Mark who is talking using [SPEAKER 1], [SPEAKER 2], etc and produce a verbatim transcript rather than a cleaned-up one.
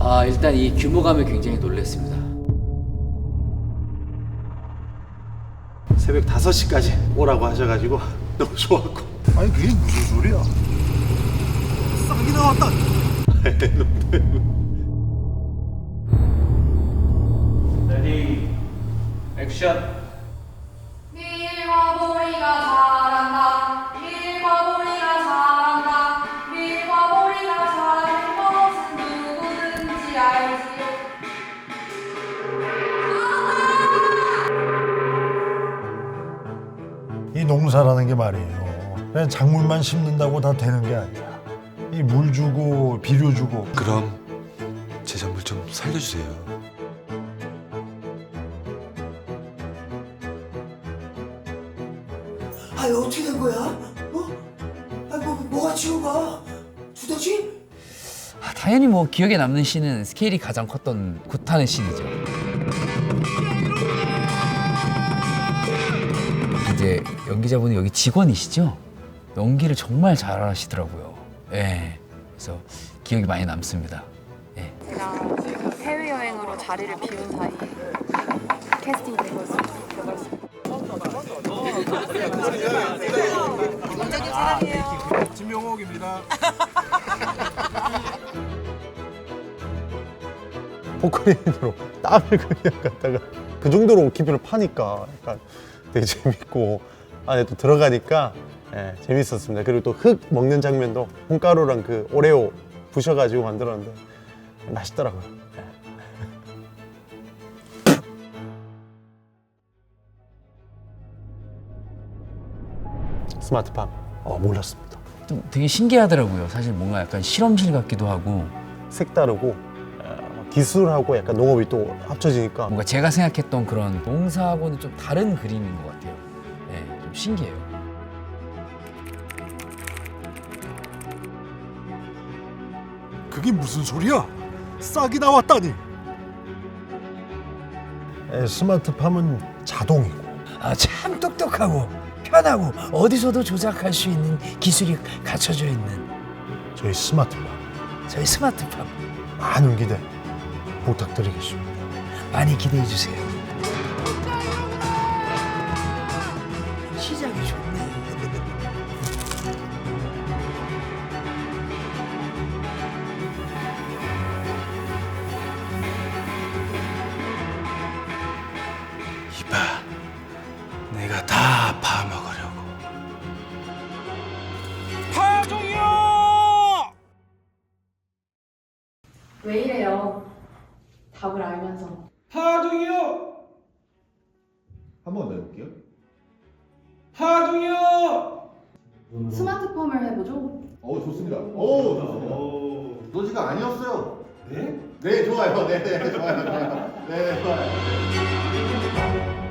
[SPEAKER 1] 아, 일단 이 규모감에 굉장히 놀랐습니다.
[SPEAKER 2] 새벽 다섯 시까지 오라고 하셔가지고 너무 좋았고.
[SPEAKER 3] 아니 그게 무슨 소리야? 싹이 나왔다.
[SPEAKER 4] 레디 액션.
[SPEAKER 5] 밀과 보리가 잘한다. 밀과 보리가 잘한다. 밀과 보리가 잘하는 것은 누구든지 알지요.
[SPEAKER 3] 이 농사라는 게 말이에요. 그냥 작물만 심는다고 다 되는 게 아니야. 이 물 주고 비료 주고.
[SPEAKER 6] 그럼 제 작물 좀 살려주세요.
[SPEAKER 7] 아, 이거 어떻게 된 거야? 어? 아, 뭐, 뭐가 지우가? 두더지?
[SPEAKER 1] 아, 당연히 뭐 기억에 남는 씬은 스케일이 가장 컸던 굿하는 씬이죠. 이제 연기자분이 여기 직원이시죠? 연기를 정말 잘하시더라고요. 예. 그래서 기억이 많이 남습니다. 예.
[SPEAKER 5] 제가 그 해외여행으로 자리를 비운 사이에 캐스팅이 된 거였습니다. 원장님 사랑해요.
[SPEAKER 3] 진명옥입니다.
[SPEAKER 2] 포크레인으로 땀을 그냥 갖다가 그 정도로 깊이를 파니까 약간 되게 재밌고 안에 또 들어가니까 예, 재밌었습니다. 그리고 또 흙 먹는 장면도 콩가루랑 그 오레오 부셔가지고 만들었는데 맛있더라고요. 예. 스마트팜 어, 몰랐습니다.
[SPEAKER 1] 좀 되게 신기하더라고요. 사실 뭔가 약간 실험실 같기도 하고
[SPEAKER 2] 색다르고 어, 기술하고 약간 농업이 또 합쳐지니까
[SPEAKER 1] 뭔가 제가 생각했던 그런 농사하고는 좀 다른 그림인 것 같아요. 네, 좀 신기해요.
[SPEAKER 3] 그게 무슨 소리야? 싹이 나왔다니. 에, 스마트팜은 자동이고.
[SPEAKER 7] 아, 참 똑똑하고 편하고 어디서도 조작할 수 있는 기술이 갖춰져 있는
[SPEAKER 3] 저희 스마트팜
[SPEAKER 7] 저희 스마트팜
[SPEAKER 3] 많은 기대 부탁드리겠습니다.
[SPEAKER 7] 많이 기대해 주세요. 시작이 좋네.
[SPEAKER 6] 이봐, 내가 다 파먹으려고.
[SPEAKER 5] 왜 이래요? 답을 알면서.
[SPEAKER 4] 하중이요.
[SPEAKER 3] 한 번 더 해볼게요.
[SPEAKER 4] 하중이요.
[SPEAKER 5] 스마트팜을 해보죠.
[SPEAKER 8] 어 좋습니다. 오 좋습니다. 노지가 아니었어요. 네? 네 좋아요. 네, 네 좋아요. 좋아요. 네 좋아요.